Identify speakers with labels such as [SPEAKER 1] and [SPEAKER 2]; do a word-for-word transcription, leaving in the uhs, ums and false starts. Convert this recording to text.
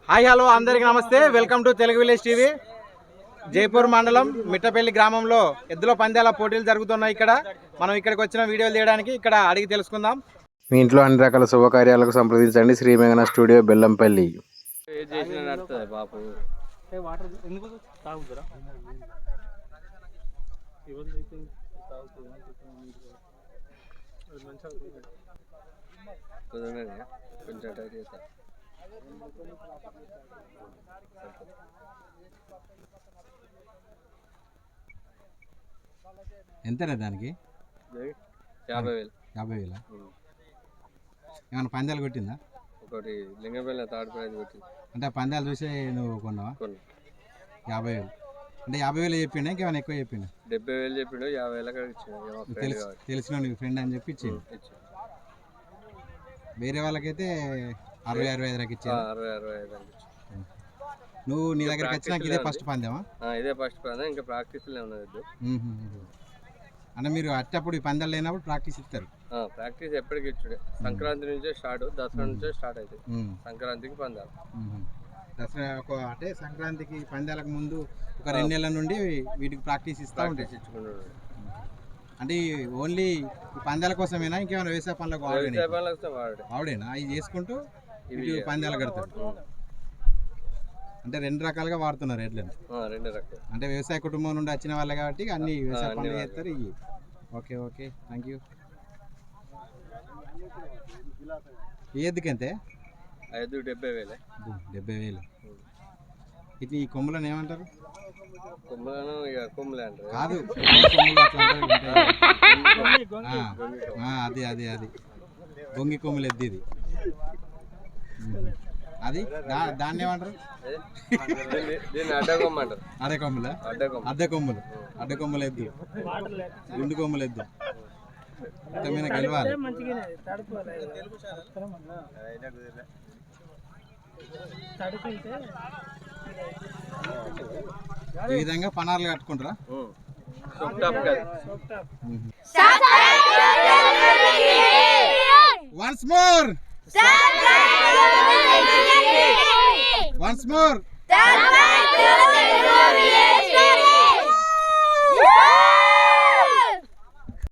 [SPEAKER 1] Hi hello అందరికీ namaste. Welcome to Telugu village TV. Jaipur మండలం మిట్టపల్లి గ్రామంలో ఎద్దుల పందాల పోటీలు జరుగుతున్నాయి. ఇక్కడ మనం ఇక్కడికి వచ్చిన వీడియోలు తీయడానికి ఇక్కడ అడిగి తెలుసుకుందాం.
[SPEAKER 2] మీ ఇంట్లో అన్ని రకాల శుభకార్యాలకు సంప్రదించండి శ్రీ మేఘన స్టూడియో బెల్లంపల్లి.
[SPEAKER 1] ఎంతనే దానికి?
[SPEAKER 3] యాభై వేలు.
[SPEAKER 1] యాభై వేల ఏమన్నా పందాలు కొట్టిందా?
[SPEAKER 3] ఒకటి లింగపల్లి థర్డ్ ప్రైజ్ కొట్టింది.
[SPEAKER 1] అంటే పందాలు చూసి నువ్వు కొన్నావా? యాభై వేలు అంటే యాభై వేలు చెప్పిండా ఇంకేమైనా ఎక్కువ చెప్పిండా?
[SPEAKER 3] డెబ్బై వేలు చెప్పిండు, యాభై వేల ఇచ్చిండు.
[SPEAKER 1] తెలిసిన నీకు ఫ్రెండ్ అని చెప్పి ఇచ్చిండు. వేరే వాళ్ళకైతే అరవై అరవై ఐదు దాకా ఇచ్చారు.
[SPEAKER 3] అరవై అరవై ఐదు
[SPEAKER 1] నువ్వు నీ దగ్గరికి వచ్చినాక ఇదే ఫస్ట్ పందేమా?
[SPEAKER 3] ఇదే ఫస్ట్ పందెం, ఇంకా ప్రాక్టీస్ ఉన్నది.
[SPEAKER 1] అంటే మీరు అట్టప్పుడు ఈ పందాలు లేనప్పుడు ప్రాక్టీస్ ఇస్తారు?
[SPEAKER 3] ప్రాక్టీస్ ఎప్పటికి ఇచ్చుడే. సంక్రాంతి నుంచే స్టార్ట్, దసరా నుంచే స్టార్ట్ అవుతుంది. సంక్రాంతికి పందాలు.
[SPEAKER 1] దసరా ఒక అంటే సంక్రాంతికి పందాలకు ముందు ఒక రెండు నెలల నుండి వీటికి ప్రాక్టీస్ ఇస్తా ఉంటాయి.
[SPEAKER 3] ఇచ్చుకున్నాడు.
[SPEAKER 1] అంటే ఓన్లీ పందాల కోసమేనా ఇంకేమైనా వ్యవసాయ పనులకు
[SPEAKER 3] వాడే
[SPEAKER 1] వాడేనా అవి చేసుకుంటూ ఇవి పందాలు కడతారు? అంటే రెండు రకాలుగా వాడుతున్నారు ఎడ్లను.
[SPEAKER 3] రెండు రకాలు
[SPEAKER 1] అంటే వ్యవసాయ కుటుంబం నుండి వచ్చిన వాళ్ళే కాబట్టి అన్ని వ్యవసాయ పనులు చేస్తారు ఇవి. Okay okay thank you. ఏదికంతే?
[SPEAKER 3] ఐదు డెబ్బై వేలే.
[SPEAKER 1] డెబ్బై వేలు. ఇది ఈ కొమ్ములను ఏమంటారు?
[SPEAKER 3] కొమ్ములను ఇక కొమ్ములే అంటారు.
[SPEAKER 1] కాదు, అది అది అది గొంగి కొమ్ములు ఎద్ది ఇది. అది దాన్ని ఏమంటారు?
[SPEAKER 3] అడ్డ కొమ్ము అంటారు.
[SPEAKER 1] అడే కొమ్ముల అద్దె కొమ్ములు అడ్డ కొమ్ములు ఎద్దు, గుండు కొమ్ములు ఎద్దు. మొత్తమైన గెలవాలి. ఈ విధంగా పనార్లు కట్టుకుంటారా? Once more once more